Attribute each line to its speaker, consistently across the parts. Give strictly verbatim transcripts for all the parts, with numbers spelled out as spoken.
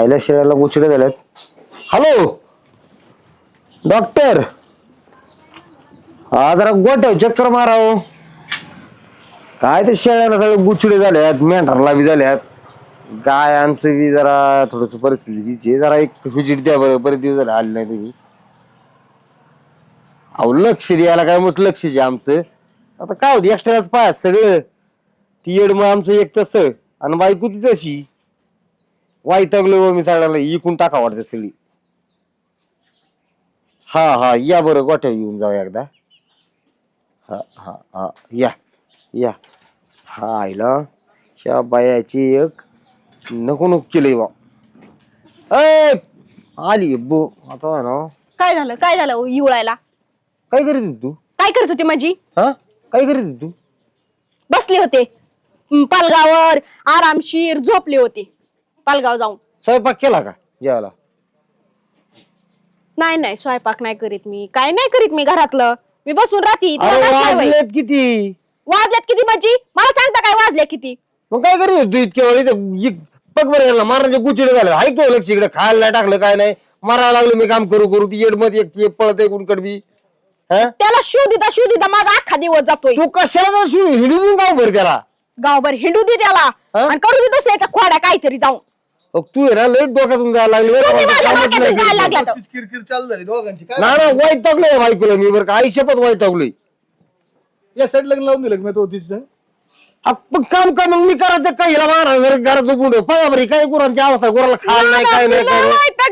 Speaker 1: आईला शेळ्याला गोचिडे झाल्यात. Hello doctor, हा जरा गोठ्यावर चक्कर माराव. काय ते शेळ्याला सगळे गुचिडे झाल्यात, मेंढराला बी झाल्यात, गायांचं बी जरा थोडस परिस्थितीची जरा एक व्हिजिट द्या बरं. बरेच दिवस झाले आले नाही तुम्ही. अहो लक्ष द्यायला काय मस्त लक्ष द्या आमचं. आता काय होती एक्स्ट्राच पाय सगळं ती येड मग आमचं एक तस आणि बायको ती तशी. वाईटगलो मी सगळ्याला इकून टाका वाटते सगळी. हा हा या बरं गोठ्या येऊन जाऊ एकदा. हा हा हा या या. हा आईला ह्या बायाची एक नको नको केलंय बा. अय आली बो आता ना.
Speaker 2: काय झालं काय झालं इवळायला?
Speaker 1: काय करीत होती तू?
Speaker 2: काय करत होती माझी?
Speaker 1: हा काय करीत होती तू?
Speaker 2: बसले होते पालगावर आरामशीर झोपले होते. पालगाव जाऊन
Speaker 1: स्वयंपाक केला का जेवायला?
Speaker 2: नाही नाही स्वयंपाक नाही करीत मी. काय नाही करीत मी घरातलं. मी बसून राहती.
Speaker 1: वाजलेत किती?
Speaker 2: वाजल्यात किती माझी? मला सांगता काय वाजल्या किती?
Speaker 1: मग काय करीत होती इतक्या वेळ? बघ बरं याला मारायचे गुचिडे झाले. ऐकतो लक्ष इकडे खायला नाही टाकलं काय नाही. मारायला लागलो मी काम करू करू ती येडमध्ये एक पळत आहे कोण कडबी.
Speaker 2: त्याला शो दिता शो दिता माझा अख्खा दिवस जातोय.
Speaker 1: तू कशाला हिडून गाव भर त्याला
Speaker 2: गावभर हिंडू दे त्याला आणि करू दे दुसऱ्याच्या खोड्या काहीतरी जाऊन.
Speaker 1: तू आहे ना लई डोक्यातून जायला लागली.
Speaker 3: किरकिर चालू झाली दोघांची.
Speaker 1: ना ना वैतागलोय बायकोला मी बरं का. आई शपथ वैतागलोय.
Speaker 3: या साईड लग्न लावून दिलं मी तो तिचं.
Speaker 1: काम का मग मी करायचं काय हिला मारा घरात झोपून बघा बरी काय गुरांची अवस्था. गुराला खायला नाही काय नाही काय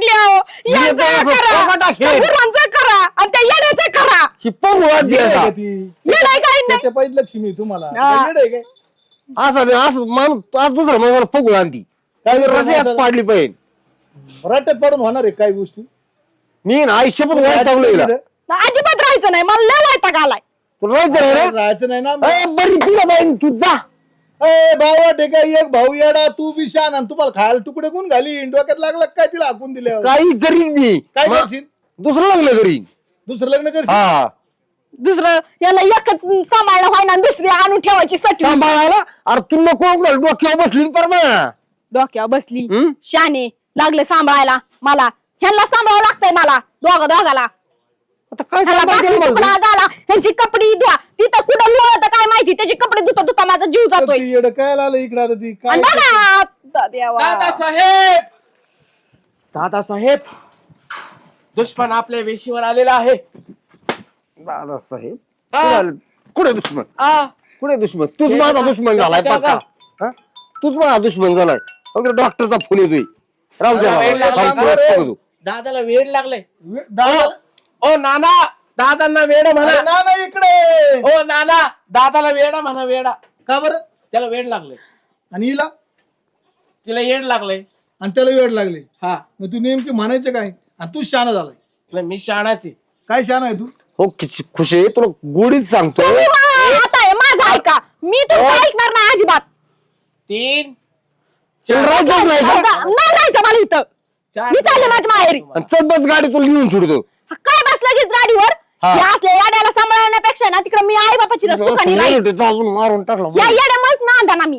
Speaker 1: ही पंगुळात द्यायचा.
Speaker 3: त्याच्या पाहिजे लक्ष्मी तुम्हाला काय
Speaker 1: असं असं माणूस आज दुसरा मला पगुळ आणती काय पाडली पाहिजे.
Speaker 3: रट्ट्यात पडून होणार आहे काही गोष्टी.
Speaker 1: मी ना आयुष्य पण वैतागलोय.
Speaker 2: अजिबात राहायचं नाही. मला लय वैताग आलाय.
Speaker 3: राहायचं नाही ना.
Speaker 1: बरी तुला जाईन तू जा.
Speaker 3: ए भावा टेका एक भाऊ येडा तू बी शान आणि तुम्हाला खायला तुकडे कोण घाली डोक्यात लागला काय तिला हाकून दिल्या.
Speaker 1: काही करीन मी.
Speaker 3: काय करशील?
Speaker 1: दुसरं लग्न करीन.
Speaker 3: दुसरं लग्न करशील?
Speaker 1: हा
Speaker 2: दुसरं याला एकच सांभाळणं व्हायना दुसरी आणून ठेवायची सटवी.
Speaker 1: सांभाळायला अरे तू नको डोक्यावर बसली पर ना.
Speaker 2: डोक्यावर बसली शाने लागले सांभाळायला मला. ह्यांना सांभाळावं लागतंय मला दोघा दोघाला.
Speaker 1: आता काय
Speaker 2: ह्यांची कपडे धुवा. तिथं कुठं लोळत काय माहिती. त्याची कपडे धुता धुता माझा जीव जातोय.
Speaker 3: येड काय आलं इकडे आता ती काय
Speaker 4: दादासाहेब दादासाहेब दुश्मन आपल्या वेशीवर आलेला आहे.
Speaker 1: दादासाहेब कुठे दुश्मन?
Speaker 4: आ
Speaker 1: कुठे दुश्मन? तूच माझा दुश्मन झालाय पक्का. तूच माझा दुश्मन झालाय. डॉक्टरचा फोन येतोय. राहू दे.
Speaker 4: दादाला वेड लागलाय.
Speaker 3: दादा
Speaker 4: ओ नाना दादांना वेड म्हणा.
Speaker 3: ना ना इकडे.
Speaker 4: ओ नाना दादाला वेडा म्हणा. वेडा
Speaker 3: का बरं?
Speaker 4: त्याला वेड लागले.
Speaker 3: आणि हिला
Speaker 4: तिला येड लागले
Speaker 3: आणि त्याला वेळ लागले.
Speaker 4: हा
Speaker 3: मग तू नेमकी म्हणायचं काय? आणि तू शाना झालाय.
Speaker 4: मी शहाणाची.
Speaker 3: काय शान आहे तू?
Speaker 1: हो किती खुश आहे तुला गोडीत सांगतो.
Speaker 2: माझं ऐका. मी तर ऐकणार नाही अजिबात.
Speaker 4: तीन
Speaker 1: राहायचं नाही का?
Speaker 2: नाही राहायचं मला इथं. मी चालले माझ्या माहेरी.
Speaker 1: चल बस गाडी तुला लिहून सोडतो.
Speaker 2: काय बस लगेच गाडीवर? या असल्या याड्याला सांभाळण्यापेक्षा ना तिकडे मी आई बापाची सुखानी राहील.
Speaker 1: मारून टाकला
Speaker 2: या याड्यामुळेच ना ना मी.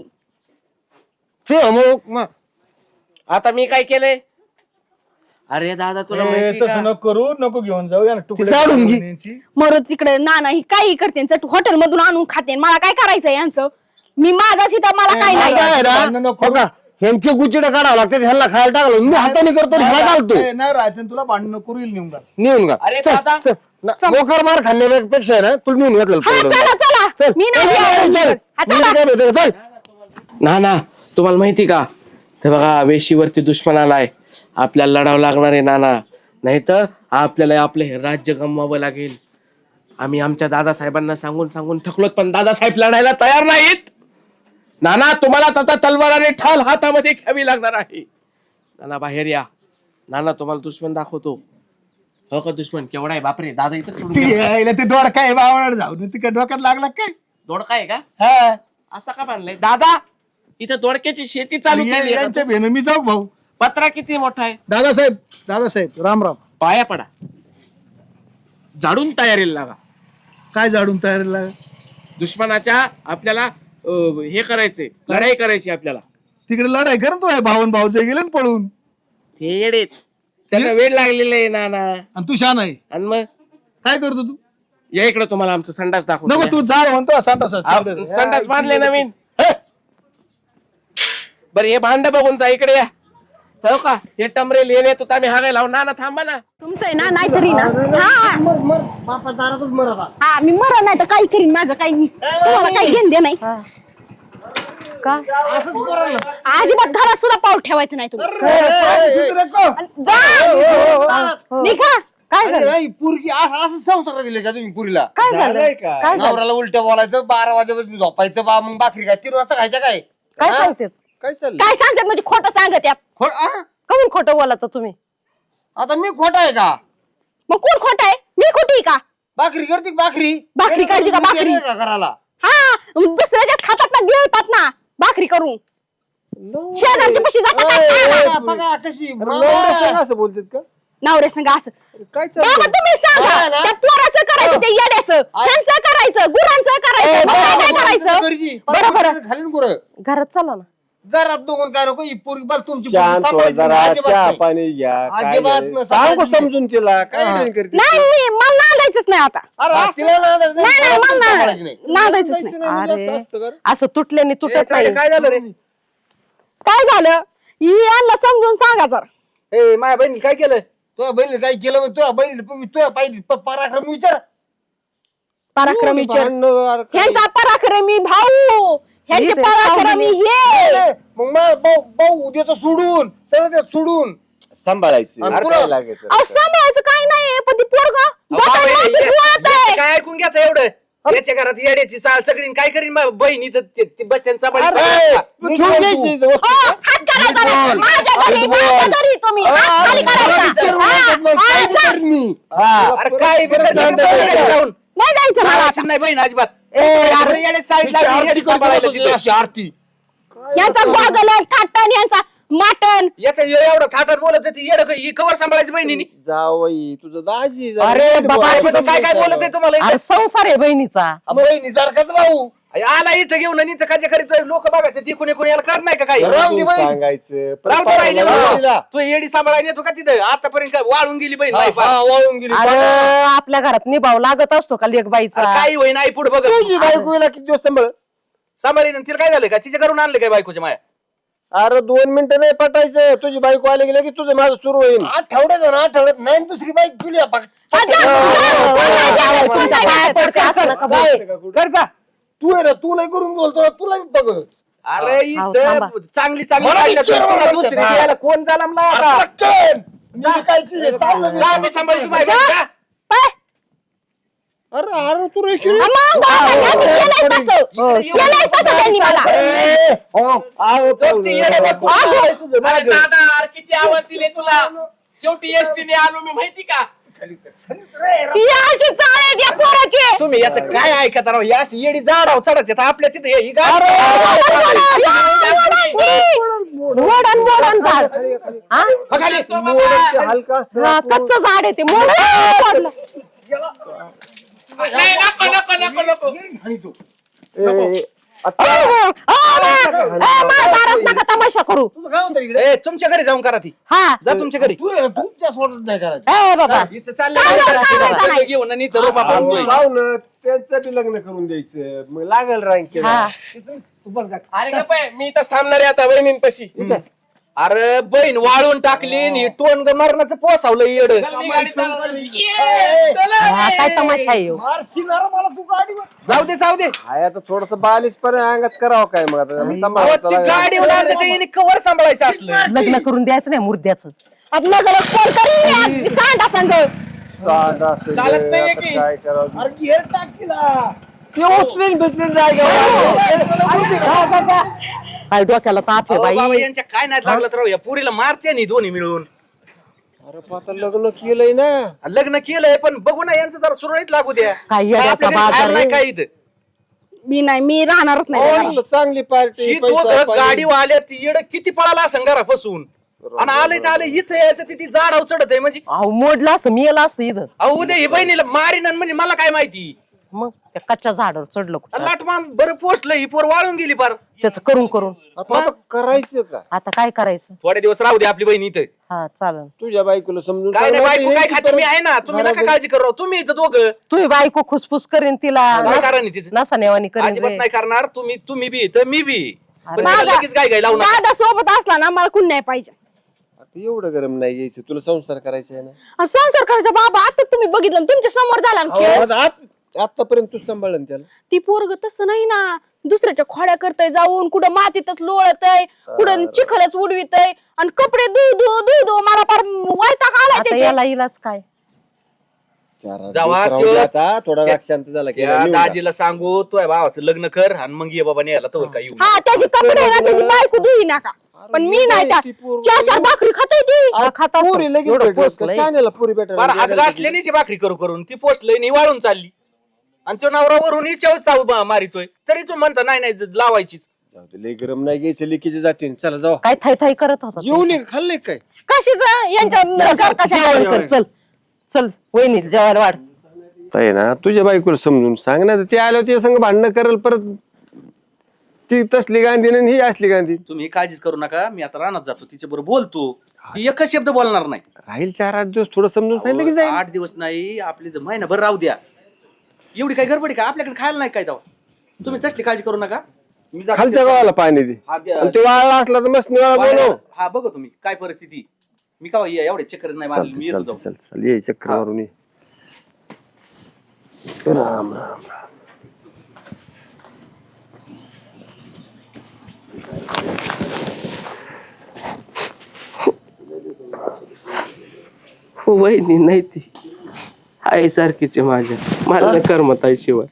Speaker 4: आता मी काय केलंय? अरे दादा तुला माहिती
Speaker 3: तसं
Speaker 4: का?
Speaker 3: नको करू नको घेऊन जाऊ या तुकडे
Speaker 1: चालून घे.
Speaker 3: न्यायची.
Speaker 2: मर तिकडे ना नाही काही करते चट हॉटेल मधून आणून खाते. मला काय करायचं यांचं? मी माझा सीता मला काय नाही.
Speaker 1: काय
Speaker 3: भांडणं नको.
Speaker 1: ह्यांचे गुचिडे काढावं लागतात. ह्याला खायला टाकलं मी हाताने करतो ह्याला घालतो.
Speaker 3: ए, नाही राहायचं तुला भांडण करू येईल नेऊन
Speaker 1: नेऊन का?
Speaker 4: अरे दादा.
Speaker 1: मोकर मार खाण्यापेक्षा आहे ना तुला नेऊन घातलं.
Speaker 2: हा, चला चला मी नाही जेवणार. हा, चला.
Speaker 4: ना ना तुम्हाला माहिती का? ते बघा वेशीवरती दुश्मन आलाय. आपल्याला लढावं लागणार आहे नाना. नाही तर आपल्याला आपले हे राज्य गमवावं लागेल. आम्ही आमच्या दादासाहेबांना सांगून सांगून थकलोत पण दादासाहेब लढायला तयार नाहीत. नाना तुम्हाला आता तलवार आणि ठाल हातामध्ये घ्यावी लागणार आहे. नाना बाहेर या. नाना तुम्हाला दुश्मन दाखवतो. हो का दुश्मन केवढा आहे? बापरे दादा इथं सोडून गेला.
Speaker 3: ते दोड काय बावळ जाऊन तिकडे डोक्यात लागला काय?
Speaker 4: दोडका आहे का?
Speaker 3: हा
Speaker 4: असं का बांधलंय दादा? इथं दोडक्याची शेती चालू केली आहे का?
Speaker 3: यांच्या भेन मी जाऊ भाऊ.
Speaker 4: पत्रा किती मोठा आहे?
Speaker 3: दादासाहेब दादासाहेब राम राम.
Speaker 4: पाया पडा. झाडून तयारीला लागा.
Speaker 3: काय झाडून तयारीला?
Speaker 4: दुश्मनाच्या आपल्याला हे करायचे लढाई करायची आपल्याला.
Speaker 3: तिकडे लढाई कर तू भावन भाऊचे गेले ना पळून.
Speaker 4: ते येडे त्यांना वेळ लागलेला आहे नाना.
Speaker 3: आणि तू शान आहे.
Speaker 4: आणि मग
Speaker 3: काय करतो तू?
Speaker 4: या इकडे तुम्हाला आमचं संडास दाखवतो.
Speaker 3: नको तू जा म्हणतो संडास
Speaker 4: अहो, संडास बांधले नवीन. बरं हे भांड बघून जा इकडे या. हो का हे टमरेल हे नेतो आम्ही हागाय लावून. नाना थांबा ना.
Speaker 2: तुमचं आहे ना नाहीतरी ना हा
Speaker 1: बापा दारातच मरत आहे.
Speaker 2: हा मी मरण नाही तर काही करीन माझं काही तुम्हाला काही घेण दे नाही का
Speaker 1: असंच मरण ना.
Speaker 2: अजिबात घरात सुद्धा पाऊल ठेवायचं नाही तुम्ही जा निघा. काय
Speaker 1: अरे
Speaker 2: झालं
Speaker 1: नाही, पोरगी असं असं संसार दिले का तुम्ही पुरीला?
Speaker 2: काय झालं काय झालं
Speaker 1: नवऱ्याला उलट बोलायचं, बारा वाजेपासून झोपायचं, बा मग भाकरी काय तीन वाजता खायच्या काय?
Speaker 2: काय सांगते
Speaker 1: काय चाललं?
Speaker 2: काय सांगतात म्हणजे खोटं सांगत यात
Speaker 1: खो- आ?
Speaker 2: कमून खोटं बोलत तुम्ही
Speaker 1: आता मी खोटा आहे का?
Speaker 2: मग कोण खोटं आहे मी खोटी आहे का
Speaker 1: भाकरी करते का भाकरी?
Speaker 2: भाकरी करते का भाकरी?
Speaker 1: येते का करायला?
Speaker 2: हा दुसऱ्याच्याच खातात ना गिळतात ना भाकरी करून शेजारच्या पशी जातात काय खायला?
Speaker 1: बघा, बघा कशी बाबा.
Speaker 3: असं बोलतात का?
Speaker 2: नवऱ्या संग असं
Speaker 3: काय
Speaker 2: बाबा तुम्ही सांगा
Speaker 1: हा ना?
Speaker 2: त्या पोराचं करायचं ते येड्याचं त्यांचं करायचं गुरांचं करायचं मग काय काय करायचं
Speaker 1: घरची.
Speaker 2: बरं, बरं.
Speaker 1: खाली ना गुरं.
Speaker 2: घरात चला ना
Speaker 1: घरात दोघं काय नको ही पोरगी बस तुमची पोरगी
Speaker 5: शांत व्हा
Speaker 1: सांभाळायची
Speaker 5: जरा,
Speaker 1: नाही, अजिबात
Speaker 5: चहा
Speaker 1: नाही.
Speaker 5: पाणी घ्या. काय
Speaker 1: अजिबात
Speaker 5: नाही.
Speaker 1: नाही,
Speaker 5: सांगू
Speaker 1: सांगायचं
Speaker 5: समजून तिला काय
Speaker 1: हा.
Speaker 5: नाही करते.
Speaker 2: नाही मी मला नांदायचंच नाही आता
Speaker 1: हा, तिला नांदायचं नाही,
Speaker 2: नाही नाही मला
Speaker 1: सांभाळायची नाही.
Speaker 2: ना- नांदायचंच नाही
Speaker 5: म्हणजे असं असतं का?
Speaker 2: असं तुटल्याने तुटत नाही
Speaker 4: काय झालं रे?
Speaker 2: काय झालं ही यांना समजून सांगा जरा
Speaker 1: ए माझ्या बहिणी काय केलं? तुझ्या बहिणी काय केलं मग तुझ्या बहिणी तुझ्या पाहिजे पराक्रम विचार.
Speaker 2: पराक्रमी विचार
Speaker 5: भांडणं अरे काय?
Speaker 2: ह्यांचा पराक्रमी भाऊ ह्यांचे पराक्रमी हे
Speaker 1: मग मग भाऊ भाऊ देतो सोडून सगळं देत सोडून.
Speaker 5: सांभाळायचं
Speaker 1: आणि
Speaker 5: अरे
Speaker 1: पुढं-
Speaker 5: काय लागेल
Speaker 2: अहो सांभाळायचं काय नाही पण ती पोरगा
Speaker 6: बाबा, हे- हे- काय ऐकून घ्या एवढं याच्या घरात येड्याची साल सगळी काय करीन मग बहिणी तर ते- ते बस त्यांचा बळी सगळा.
Speaker 5: तू ठेवून घ्यायची इथं वस्तू.
Speaker 2: हात करायचा नाही. माझ्या घरी माझ्या घरी तुम्ही हात खाली करायचा. हा, हा, जा.
Speaker 6: अरे काय बी करता येतं जाऊन.
Speaker 2: नाही जायचं मला आता.
Speaker 6: अशी नाही बहीण अजिबात
Speaker 2: ए, यार,
Speaker 6: एवढं येड्याची साल लागली, येडी सांभाळायला तिथं.
Speaker 1: आरती
Speaker 2: यांचा गॉगल थाटण यांचा माटण
Speaker 6: याचं एवढं थाटात बोलत होती येड ही कवर सांभाळायची बहिणीनी.
Speaker 5: जावई तुझं दाजी जरा
Speaker 6: अरे
Speaker 5: नीट
Speaker 6: बाबा
Speaker 5: बोल.
Speaker 6: पण काय काय बोलत आहे तुम्हाला इथं?
Speaker 7: संसार आहे बहिणीचा
Speaker 1: बहिणी सारखाच भाऊ.
Speaker 6: आला इथं घेऊन आणि इथं काय करीत लोक बघा ते कोणी कोणी याला कळत नाही का काही
Speaker 5: जरा
Speaker 1: राहून दे
Speaker 5: तू
Speaker 1: बाई.
Speaker 5: सांगायचं परत
Speaker 6: राव तो राहिली
Speaker 5: पाहायला
Speaker 6: बा.
Speaker 5: तिला.
Speaker 6: तू येडी सांभाळायला येतो का तिथं आतापर्यंत काय वाळून गेली बहीण
Speaker 1: हा,
Speaker 6: नाही
Speaker 1: हा, वाळून गेली.
Speaker 7: अरे आपल्या घरात निभाव लागत असतो का लेखबाईचा
Speaker 6: काही होई नाही पुढे बघ
Speaker 5: तुझी बायकोला किती दिवस सांभाळ
Speaker 6: सांभाळी तिला काय झालं का तिच्या करून आणलं काय बायकोच्या माया
Speaker 5: अरे दोन मिनिटं नाही पटायचं तुझी बायको आली गेली की तुझं माझं सुरू होईल.
Speaker 1: आठवड्यात ना आठवड्यात नाही आणि दुसरी बाईक गेली आपण.
Speaker 2: तुमच्या पाया पडते असं नका बोलू.
Speaker 1: कर जा. तू आहे ना तू नाही करून बोलतो तुला मी बघ.
Speaker 6: अरे
Speaker 7: अहो,
Speaker 6: इथं
Speaker 7: थांबा.
Speaker 6: चांगली चांगली
Speaker 1: मला
Speaker 6: बायका
Speaker 1: विचार
Speaker 6: तुला
Speaker 1: मला
Speaker 6: दुसरी
Speaker 1: विचार.
Speaker 6: द्यायला कोण झाला मला आता
Speaker 1: पटकन. मी काय चीज आहे, चाललं
Speaker 6: जा
Speaker 1: मी.
Speaker 6: मी सांभाळतो बायका जा.
Speaker 2: पाय.
Speaker 5: अरे अरे तू रे
Speaker 2: मग बाबा, यांनी केलंय तसं. केलंय तसं त्यांनी मला.
Speaker 1: ए, हो.
Speaker 6: तो ती येडे बायको.
Speaker 1: आहे तुझं
Speaker 4: अरे
Speaker 1: मागं.
Speaker 4: दादा अरे किती आवाज दिले तुला. शेवटी एसटीने आलो मी माहिती का.
Speaker 2: ही अशी चाळ आहे त्या पोराची.
Speaker 6: तुम्ही याचं काय ऐकत राव या अशी येडी झाडाव चढत येत आपल्या तिथे ही गाडी
Speaker 2: मोडन मोडन झाड हा?
Speaker 6: खाली
Speaker 5: हलका
Speaker 2: हा, कच्चं झाड आहे ते मोडलं.
Speaker 4: नाही नको नको नको नको.
Speaker 2: दारात नका तमाशा करू.
Speaker 1: तुझं काय होतं इकडे?
Speaker 6: ए तुमच्या घरी जाऊन करा ती
Speaker 2: हा
Speaker 6: जा तुमच्या घरी
Speaker 1: तू आहे ना तुमच्या सोडत नाही करायचं.
Speaker 2: ए बाबा
Speaker 6: इथं चाललंय
Speaker 2: काय
Speaker 6: बायका
Speaker 2: करायचं
Speaker 6: सगळं
Speaker 2: नाही.
Speaker 6: घेऊन आणि इथं रोपा बांधतोय.
Speaker 5: लावलं त्यांचं बी लग्न करून द्यायचं मग लागल रँक
Speaker 2: हा.
Speaker 1: तू बस गा.
Speaker 4: अरे गप्प आहे, मी इथंच थांबणार आहे आता बहिणींपाशी.
Speaker 6: अरे बहीण वाळून टाकली आणि हे टोन मरणाचं पोसावलं येड
Speaker 4: चल, मी गाडी चालवणार. ये, चला
Speaker 7: हा,
Speaker 4: रे.
Speaker 7: काय तमाशा आहे ह्यो?
Speaker 1: मारशील ना रे मला तू गाडीवर.
Speaker 6: जाऊ दे जाऊ दे
Speaker 5: आहे आता थोडस बालिश पण अंगात करावं काय मग आता सांभाळावं
Speaker 6: गावाची
Speaker 5: लागेल.
Speaker 6: गाडी उडायचं काही कवर सांभाळायचं असलं
Speaker 7: लग्न करून द्यायचं नाही मुर्द्याचं
Speaker 2: आपल्या घरात कोण करी सांडा संग
Speaker 5: सांड असं
Speaker 4: चालत
Speaker 5: गे,
Speaker 4: नाहीये
Speaker 5: आता
Speaker 4: की?
Speaker 5: काय करावं
Speaker 1: अरे घेर टाक तिला.
Speaker 5: ते उचलून बिचलून जायगा
Speaker 7: काय डोक्याला ताप आहे
Speaker 6: अहो, बाबा
Speaker 7: बाई
Speaker 6: यांच्या काय नाही लागलं तर राव, या पुरीला मारते नाही दोन्ही मिळून
Speaker 5: अरे पण आता लग्न केलंय ना
Speaker 6: लग्न केलंय पण बघू ना यांचं जरा सुरळीत लागू द्या
Speaker 7: काय येड्याचा
Speaker 6: आपल्या घरी
Speaker 7: बाजार
Speaker 6: खायला नाही
Speaker 7: आहे.
Speaker 6: काय इथं
Speaker 2: मी नाही मी राहणारच नाही
Speaker 5: हो, चांगली पार्टी
Speaker 6: ही दोघं गाडी आल्या ती येड किती पळाला असं घरा फसून आणि आले तर आले इथं यायचं ती झाडाव चढत आहे म्हणजे
Speaker 7: अहो मोडलं असं मेलं असं इथं
Speaker 6: अहो उद्या ही बहिणीला मारीन आणि म्हणजे मला काय माहिती
Speaker 7: मग त्या कच्च्या झाडावर चढलं कुठं
Speaker 6: लाटमान बरं पोचलं ही पोर वाळून गेली पार
Speaker 7: त्याचं करून करून
Speaker 5: आता करायचं का
Speaker 7: आता काय करायचं
Speaker 6: थोडे दिवस राहू दे आपली बहीण इथं
Speaker 7: हा चालेल.
Speaker 5: तुझ्या बायकोला समजून
Speaker 6: काय
Speaker 5: सांग
Speaker 6: नाही
Speaker 5: ना,
Speaker 6: बायको
Speaker 5: हे
Speaker 6: काय
Speaker 5: किती
Speaker 6: खाते मी आहे ना, तुम्ही
Speaker 5: घरात-
Speaker 6: नका काळजी करू तुम्ही इथं दोघं
Speaker 7: तुझी बायको खुसफुस करीन तिला
Speaker 6: काय कारण आहे तिचं
Speaker 7: नसा नेवानी करीन
Speaker 6: अजिबात
Speaker 7: रे.
Speaker 6: नाही करणार तुम्ही तुम्ही बी इथं मी बी पण
Speaker 7: अरे.
Speaker 6: त्याला लगेच काय काय लावू नका
Speaker 2: दादा सोबत असला ना मला कुण नाही पाहिजे.
Speaker 5: आता एवढं गरम नाही यायचं, तुला संसार करायचा आहे ना.
Speaker 2: आणि संसार करायचा बाबा आता तुम्ही बघितलं ना, तुमच्या समोर झाला ना खेळ.
Speaker 5: आता आत- आतापर्यंत तू सांभाळलं ना त्याला.
Speaker 2: ती पोरग तसं नाही ना, दुसऱ्याच्या खोड्या करतय जाऊन, कुठं मातीतच लोळतय, कुठं चिखलच उडवितय आणि कपडे धु धु धु धु मला फार वैताग आलाय
Speaker 7: आता
Speaker 2: त्याचे.
Speaker 7: याला इलाज काय?
Speaker 5: चार आठ
Speaker 6: जावा
Speaker 5: दिवस राहू
Speaker 6: त्यो-
Speaker 5: दे आता, थोडा
Speaker 6: त्या-
Speaker 5: राग शांत झाला की
Speaker 6: त्या
Speaker 5: निघून जा.
Speaker 6: दाजीला सांगू तो भावाचं लग्न कर आणि मग ये बाबा न्यायला तर काय येऊ
Speaker 2: हा त्याची कपडे ना त्याची बायको धुई नका, पण मी नाही त्या चार चार भाकरी खाते ती.
Speaker 5: आ,
Speaker 7: खात असं.
Speaker 5: पुरी लगेच
Speaker 7: एवढं
Speaker 5: भेटत का?
Speaker 7: पोचलंय.
Speaker 5: शाण्याला पुरी भेटायला
Speaker 6: बरं हात
Speaker 5: गेलं की-
Speaker 6: घासल्याने भाकरी करू करून ती पोचलंय नि वाळून चालली आणि तो नवरावरून हिच्यावर मारितोय तरी तू म्हणता नाही नाही ज- लावायचीच
Speaker 5: जाऊ दे, लय गरम नाही घ्यायचं, लिकीचे जाते चला जाऊ.
Speaker 7: काय थाय थाय करत होता ते?
Speaker 5: जेवली का? खाल्ले का काय?
Speaker 2: कशीच यांच्या घरकाच्या
Speaker 7: जेवण कर चल चल वहिनी जेवायला वाढ.
Speaker 5: आहे ना तुझ्या बायकोला समजून सांग ना, ते आल्यावर ते संग भांडणं करल परत. ती तसली गांधी आणि ही असली गांधी.
Speaker 6: तुम्ही काळजीच करू नका मी आता रानात जातो तिच्या बरोबर बोलतो ती एकच शब्द बोलणार नाही
Speaker 5: राहील चार आठ दिवस थोडं समजून सांगितलं की जाईल.
Speaker 6: आठ दिवस नाही आपली तर महिनाभर राहू द्या एवढी काय गडबडी का आपल्याकडे खायला नाही काय तेव्हा तुम्ही तसली काळजी करू नका मी जातो
Speaker 5: खालच्या
Speaker 6: त्या-
Speaker 5: गावाला पाणी दे
Speaker 6: हा, द्या.
Speaker 5: आणि ते वाळला असला तर मस्त निवाळा बोलव.
Speaker 6: हा बघा तुम्ही काय परिस्थिती मी का एवढे चक्कर नाही मारली मी येतो
Speaker 5: चालतं,
Speaker 6: जाऊन.
Speaker 5: चालतं, चालतं. ये चक्र मारून ये. राम राम
Speaker 4: वहिनी नाही ती आई सारखीच आहे माझ्या, मला नाही करमत आई शिवाय.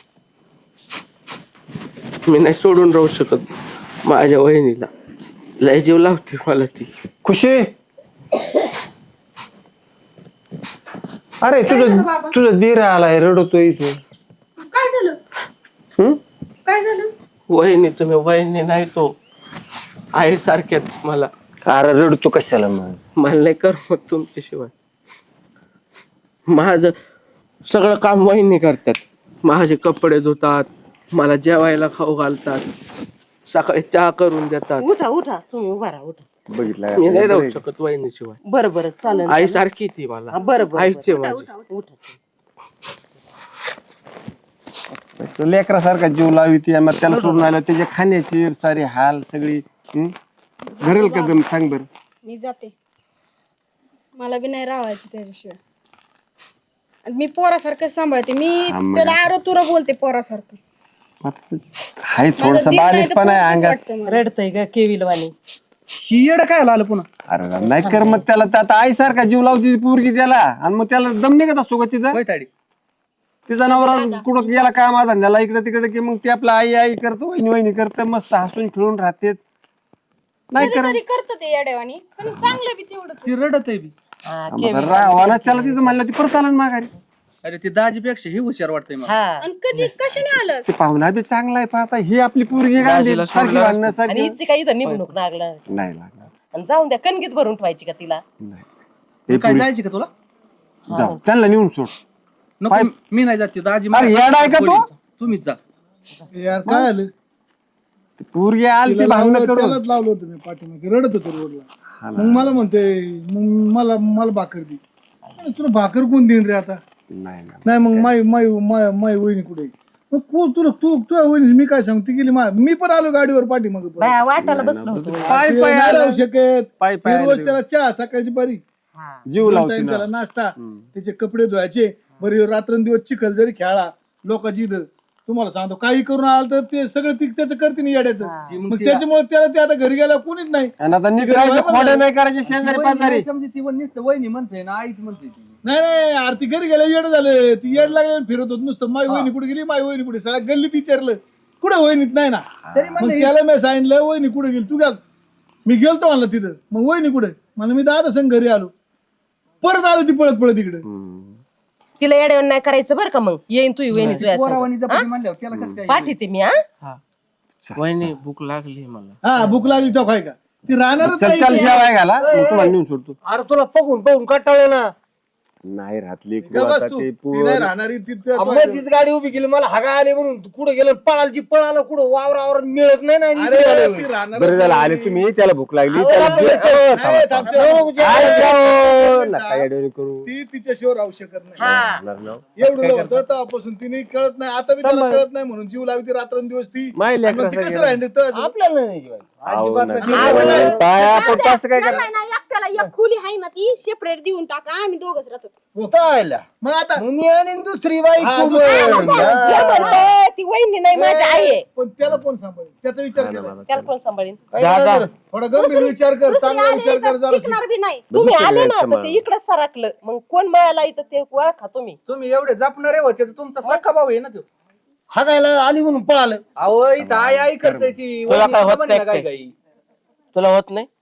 Speaker 4: मी नाही सोडून राहू शकत माझ्या वहिनीला, लय जीव लावते मला ती.
Speaker 5: खुशी. अरे तुझं तुझं दीर आलाय रडतोय इथे.
Speaker 2: काय झालं
Speaker 5: हम्म?
Speaker 2: काय झालं?
Speaker 4: वहिनी तुम्ही वहिनी नाही तो आई सारख्यात मला,
Speaker 5: अरे रडतो कशाला मग?
Speaker 4: मला नाही करमत तुमच्याशिवाय. माझं सगळं काम वहिनी करतात, माझे कपडे धुतात, मला जेवायला खाऊ घालतात, सकाळी चहा करून देतात.
Speaker 7: उठा उठा तुम्ही उभा राहा उठा.
Speaker 5: बघितलं
Speaker 4: मी नाही राहू
Speaker 5: का?
Speaker 4: शकत वहिनीशिवाय.
Speaker 7: बरं बरं चालेल
Speaker 4: आई सारखी ती मला,
Speaker 7: हा, बरं बरं
Speaker 4: आईच आहे
Speaker 7: बरं.
Speaker 4: माझी.
Speaker 7: उठा
Speaker 5: तो लेकरासारखा जीव लावी ती मग त्याला सोडून आलो त्याच्या खाण्याची सारी हाल सगळी. हम्म? घरेल का दम सांग बर.
Speaker 2: मी जाते, मला बी नाही राहायचं त्याच्याशिवाय. आणि मी पोरासारखं सांभाळते, मी
Speaker 5: हा, मग.
Speaker 2: त्याला आरो तुरा बोलते पोरासारखं.
Speaker 5: हाय थोडस बालिशपणा आहे अंगात.
Speaker 7: रडतय का केविलवाणी.
Speaker 6: ही येड काय आलं पुन्हा
Speaker 5: अरे नाही कर मग त्याला तर आता आई सारखा जीव लावती ती पोरगी त्याला आणि मग त्याला दम निघत असतो का तिचा
Speaker 6: वैताडी
Speaker 5: तिचा नवरा कुठं गेला काम धंद्याला इकडे तिकडे की मग ते आपला आई आई करतो वहिनी वहिनी करतं मस्त हसून खेळून राहते. नाही कर
Speaker 2: कधी करत ते येड्यावानी, पण चांगलं बी तेवढंच.
Speaker 6: ती रडत आहे बी
Speaker 7: हा,
Speaker 5: रावानाच त्याला तिथं म्हणलं ती परत आलं ना माघारी.
Speaker 6: अरे ती दाजीपेक्षा ही हुशार वाटतंय मला
Speaker 7: हा
Speaker 2: आणि कधी कशाने आलं?
Speaker 5: ते पाहुणा बी चांगला आहे पाहता ही आपली पोरगी गांधी
Speaker 4: दाजीला
Speaker 5: सारखी
Speaker 4: सोडलं
Speaker 5: भांडणं
Speaker 7: आणि
Speaker 5: सारखी
Speaker 7: हिची काही इथं निवडणूक लागला
Speaker 5: नाही लागणार.
Speaker 7: आणि जाऊन द्या कणगीत भरून ठेवायची का तिला.
Speaker 5: नाही
Speaker 6: मग काय जायची का तुला
Speaker 5: जाऊ त्यांना नेऊन सोड.
Speaker 6: नको मी नाही जाते दाजी
Speaker 5: अरे येडा आहे का तू?
Speaker 6: तुम्हीच जा
Speaker 3: यार काय आलं
Speaker 5: ती पोरगी आली ती
Speaker 3: तिला
Speaker 5: भांडणं
Speaker 3: लावलं,
Speaker 5: करून
Speaker 3: त्यालाच लावलं होतं मी पाठीमागे रडत होतो रोडला. मग मला म्हणतोय मग मला मला भाकर दे. अरे तुला भाकर कोण देईन रे आता?
Speaker 5: नाही नाही.
Speaker 3: नाही मग माई माई माय माई वहिनी कुठे आहे? मग को तुला तू तुझ्या वहिनी मी काय सांगू ती गेली मा मी पण आलो गाडीवर पाठीमागे परत.
Speaker 7: बाया वाटायला बसलो होतो.
Speaker 5: पाय
Speaker 3: ते
Speaker 5: पाय
Speaker 3: नाही
Speaker 5: आलं.
Speaker 3: राहू शकत.
Speaker 5: पाय पाय
Speaker 3: हे रोज
Speaker 5: आलं.
Speaker 3: त्याला चहा सकाळची बारी
Speaker 5: जीव
Speaker 3: दोन
Speaker 5: लावती
Speaker 3: time
Speaker 5: ना.
Speaker 3: त्याला नाश्ता त्याचे कपडे धुवायचे बरी रात्रंदिवस चिखल जरी खेळा लोकांची इथं तुम्हाला सांगतो काही करून आलं तर ते सगळं ती त्याचं करते नाही येड्याचं. मग त्याच्यामुळे त्याला ते आता घरी गेला कोणीच नाही.
Speaker 5: आणि आता निघायचं खोडे नाही करायचे शेजारी पाजारी.
Speaker 6: समजी ती पण नुसतं वहिनी म्हणते ना आईच म्हणते ती
Speaker 3: नाही नाही आरती घरी गेल्या येड झालं ती येड लागले फिरत होत नुसतं माई वहिनी कुठे गेली माई वहिनी कुठे सगळ्या गल्लीत विचारलं कुठे वहिनीत नाही ना. मग त्याला मी सांगितलं वहिनी कुठे गेली तू गेल मी गेलतो म्हणलं तिथं मग वहिनी कुठे मला मी दादा संग घरी आलो परत आलो ती पळत पळत इकडे.
Speaker 7: तिला येड्यावर नाही करायचं बरं का मग येईन तू वहिनी तुझ्या
Speaker 6: पोरावानी
Speaker 7: संग.
Speaker 6: जपानी म्हणल्यावर त्याला कसं काय
Speaker 7: पाठीते मी हा
Speaker 4: हा वहिनी भूक लागली मला.
Speaker 3: हा भूक लागली तो काय का ती राहणारच
Speaker 5: चल
Speaker 3: नाही
Speaker 5: चल
Speaker 3: इथे.
Speaker 5: जेवाय घाला मग तुम्हाला नेऊन सोडतो.
Speaker 8: अरे तुला बघून बघून कंटाळलो ना.
Speaker 5: नाही राहतली
Speaker 3: ग बस तू ती नाही राहणारी तिथं
Speaker 1: तीच गाडी उभी केली मला हागा आले म्हणून कुठं गेलं पळालची पळालं कुठं वावर वावर मिळत नाही ना आणि
Speaker 3: अरे
Speaker 1: इकडे आलोय.
Speaker 3: ती राहणार
Speaker 5: बरं झालं आले तुम्ही त्याला भूक लागली
Speaker 1: अहो,
Speaker 5: त्याला
Speaker 1: राहू
Speaker 5: जे-
Speaker 1: दे.
Speaker 5: अहो, थांबा,
Speaker 3: नाही,
Speaker 5: थांबा.
Speaker 3: थांब,
Speaker 1: नको जेवायला
Speaker 3: अरे,
Speaker 1: जाऊ.
Speaker 3: अरे,
Speaker 5: नका येड्यावानी करू
Speaker 3: ती तिच्याशिवाय राहू शकत नाही
Speaker 5: राहणार ना.
Speaker 3: एवढं होतं तेव्हापासून तिने कळत नाही आता मी त्याला
Speaker 5: सांभाळ.
Speaker 3: कळत नाही म्हणून जीव लावती रात्रंदिवस ती
Speaker 5: माय
Speaker 3: आणि मग ती
Speaker 5: लेकराचं
Speaker 3: कसं
Speaker 5: गेलं.
Speaker 3: राहिली तर
Speaker 1: आपल्याला नाही जेवायला.
Speaker 5: अहो,
Speaker 1: अजिबात
Speaker 5: नका.
Speaker 1: नाही.
Speaker 3: आवड आहे.
Speaker 5: काय आपण कसं काय करा
Speaker 2: नाही ना एकट्याला एक खोली आहे ना ती सेपरेट देऊन टाका आम्ही दोघच राहतो
Speaker 1: चालेल.
Speaker 3: मग आता
Speaker 1: मग मी आणि दुसरी बाई
Speaker 3: हा,
Speaker 1: खूप
Speaker 3: दुसरी
Speaker 1: आहे.
Speaker 3: बाई.
Speaker 7: हे म्हणते, ती वहिनी नाही माझी आई आहे
Speaker 3: पण त्याला कोण सांभाळेल त्याचा विचार केला
Speaker 7: त्याला कोण सांभाळीन
Speaker 1: काय
Speaker 4: जा, जा.
Speaker 1: करणार?
Speaker 3: थोडा गंभीर विचार कर
Speaker 2: दुसरी
Speaker 3: चांगला
Speaker 2: आली
Speaker 3: विचार कर
Speaker 2: तर
Speaker 3: जरा
Speaker 2: टिकणार बी नाही
Speaker 7: तुम्ही
Speaker 5: दुसरी
Speaker 7: आले
Speaker 5: वेळ
Speaker 7: ना तर
Speaker 5: सांभाळ.
Speaker 7: ते इकडे सरकलं मग कोण मळाला इथं ते ओळखा तुम्ही
Speaker 6: तुम्ही एवढे जपणारे होते तर तुमचा सक्का भाऊ आहे ना तो
Speaker 1: हागायला आली म्हणून पळालं.
Speaker 6: अहो इथं आई आई करते ती
Speaker 4: तुला
Speaker 6: वहिनी
Speaker 4: काय होत
Speaker 6: सुद्धा म्हणे ना
Speaker 4: नाही
Speaker 6: काय
Speaker 4: काय?
Speaker 6: काही
Speaker 4: तुला होत नाही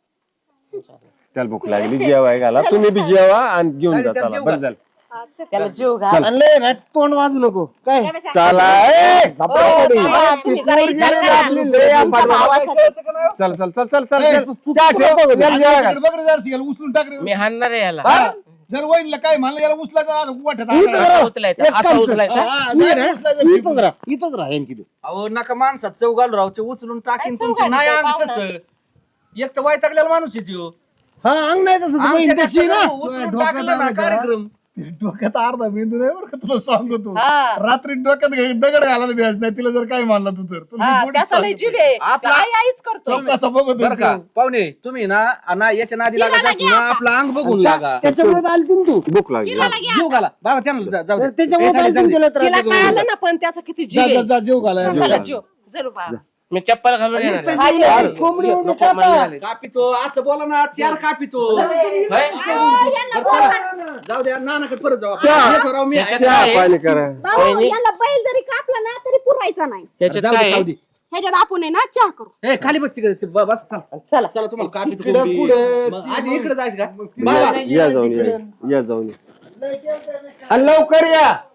Speaker 5: त्याला भूक लागली जेवाय घाला तुम्ही बी जेवा आणि घेऊन
Speaker 6: चालेल,
Speaker 5: जा
Speaker 6: त्याला
Speaker 5: चला
Speaker 6: जेवू
Speaker 5: बरं
Speaker 6: घाल.
Speaker 5: झालं
Speaker 7: त्याला जीव घाल
Speaker 1: आणि लय ना तोंड वाजू नको काय
Speaker 5: चला ए, झोपा थोडी.
Speaker 7: थांबा, तुम्ही जरा विचार करा.
Speaker 5: आपली लय आंबाट
Speaker 7: भावासाठी.
Speaker 5: चल चल चल चल चल
Speaker 3: ए,
Speaker 5: चल. चहा ठेव बघ, याला जेवाय घाल.
Speaker 3: बघ रे जरा शिकायला उचलून टाक रे
Speaker 4: मी हाणणार आहे याला
Speaker 3: हा? जर वहिनीला काय म्हणलं याला उचलायचं ना, वाटत
Speaker 4: असं उचलायचं असं उचलायचं
Speaker 1: इथंच राहा इथंच राहा यांची
Speaker 6: अहो नका माणसात चव घालू राव ते उचलून टाकीन
Speaker 7: काय
Speaker 6: तुमची
Speaker 7: चव
Speaker 6: नाही
Speaker 7: घालतो
Speaker 6: अंग
Speaker 7: पाहुणा?
Speaker 6: तसं एक तर वैतागलेला माणूस आहे त्यो
Speaker 1: हा अंग नाही तसं ती बहीण
Speaker 6: आमच्या
Speaker 1: तशी ना
Speaker 6: घरचं उचलून
Speaker 3: डोक्यात
Speaker 6: टाकलं ना
Speaker 3: आलं का?
Speaker 6: कार्यक्रम
Speaker 3: डोक्यात अर्धा मेंदू नाही बरं का तुला सांगतो
Speaker 7: हा.
Speaker 3: रात्री डोक्यात घे- दगड घालायला भेज नाही तिला जर काय मानला तू तर तुला
Speaker 7: हा,
Speaker 3: मी पुढेच
Speaker 7: त्याचा लय
Speaker 3: सांगतो.
Speaker 7: जीव आहे
Speaker 6: आपला-
Speaker 7: आई आईच करतो
Speaker 3: तो कसा बघत
Speaker 6: बरं का
Speaker 3: होता.
Speaker 6: पाहुणे तुम्ही ना ना याच्या नादी लागायचं असेल ना आपलं अंग बघून लागा
Speaker 1: त्याच्यामुळे आली तू तू
Speaker 5: भूक लागली
Speaker 6: जीव घाला बाबा त्यांना जा- जाऊ दे.
Speaker 1: त्याच्यामुळे
Speaker 6: ए, खाली
Speaker 1: आली
Speaker 6: जाऊ दे.
Speaker 1: तुला
Speaker 7: तिला
Speaker 1: त्रास
Speaker 7: कळालं ना पण त्याचा किती जीव
Speaker 3: जा जा
Speaker 7: आहे
Speaker 3: जा जीव घालाय
Speaker 7: चला, जीव जरूर बा.
Speaker 4: मी चप्पल घालून येणार आहे.
Speaker 7: हा, ये.
Speaker 1: अरे, कोंबडी
Speaker 4: नको,
Speaker 1: उडी
Speaker 4: नको,
Speaker 1: खाता.
Speaker 4: मला झाले.
Speaker 6: कापितो असं बोला ना चार कापितो
Speaker 4: होय?
Speaker 6: बरं, चला. जाऊ द्या नानाकडे परत जाऊ आपण.
Speaker 5: चहा.
Speaker 6: येतो राव मी
Speaker 4: याच्यात
Speaker 5: चहा
Speaker 4: काय आहे?
Speaker 5: पाणी करा
Speaker 2: भाऊ,
Speaker 4: वहिनी.
Speaker 2: याला बैल जरी कापला ना तरी पुरायचा नाही
Speaker 4: याच्यात
Speaker 6: जाऊ दे,
Speaker 4: काय
Speaker 6: खाऊ
Speaker 4: आहे?
Speaker 6: दे.
Speaker 2: ह्याच्यात आपण आहे ना चहा करू
Speaker 6: ए खाली बस तिकडे ते ब- बस चला
Speaker 7: चला
Speaker 6: चला तुम्हाला कापितो
Speaker 1: तिकडं
Speaker 6: कोंबडी.
Speaker 1: पुढं,
Speaker 6: मग आधी इकडे जायचं का
Speaker 1: तिकडं
Speaker 6: बाबा
Speaker 1: नाही
Speaker 5: या
Speaker 1: गेलं
Speaker 5: जाऊन या
Speaker 1: तिकडं.
Speaker 5: या जाऊन या. आणि लवकर या